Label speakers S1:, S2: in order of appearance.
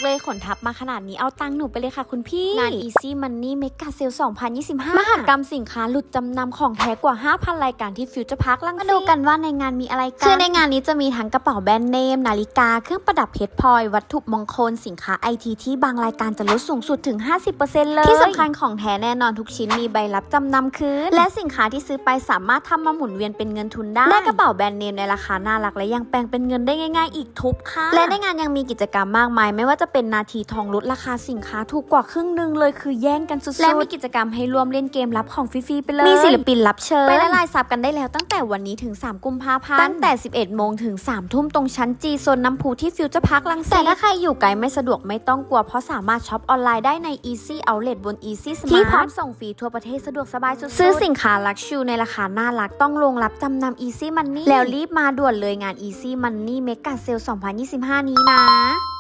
S1: เลยขนทับมาขนาดนี้เอาตังค์หนูไปเลยค่ะคุณพี่งาน Easy Money Mega Sale 2025 มหกรรมสินค้าหลุดจำนำของแท้กว่า 5,000 รายการที่ฟิวเจอร์พาร์คลังสิตมาดูกันว่าในงานมีอะไรกันคือในงานนี้จะมีทั้งกระเป๋าแบรนด์เนมนาฬิกาเครื่องประดับเพชรพลอยวัตถุมงคลสินค้าไอทีที่บางรายการจะลดสูงสุดถึง 50% เลยที่สำคัญของแท้แน่นอนทุกชิ้นมีใบรับจำนำคืนและสินค้าที่ซื้อไปสามารถทำมาหมุนเวียนเป็นเงินทุนได้กระเป๋าแบรนด์เนมในราคาน่ารักและยังแปลงเป็นเงินได้ง่ายๆอีกทุบค่ะและในงานยังมีกิจกรรมมากมายไม่ว่าจะเป็นนาทีทองลดราคาสินค้าถูกกว่าครึ่งนึงเลยคือแย่งกันสุดๆและมีกิจกรรมให้ร่วมเล่นเกมรับของฟรีๆไปเลยมีศิลปินรับเชิญไปละลายซับกันได้แล้วตั้งแต่วันนี้ถึง3 กุมภาพันธ์ตั้งแต่ 11 โมงถึง 3 ทุ่มตรงชั้นจีโซนน้ำพุที่ฟิวเจอร์พาร์คลังสิตแต่ถ้าใครอยู่ไกลไม่สะดวกไม่ต้องกลัวเพราะสามารถช็อปออนไลน์ได้ใน Easy Outlet บน Easy Smart ที่พร้อมส่งฟรีทั่วประเทศสะดวกสบายสุดๆซื้อสินค้าลักชูในราคาน่ารักต้องลงรับจำนำ Easy Money แล้วรีบมาด่วนเลยงาน Easy Money Mega Sale 2025 นี้นะ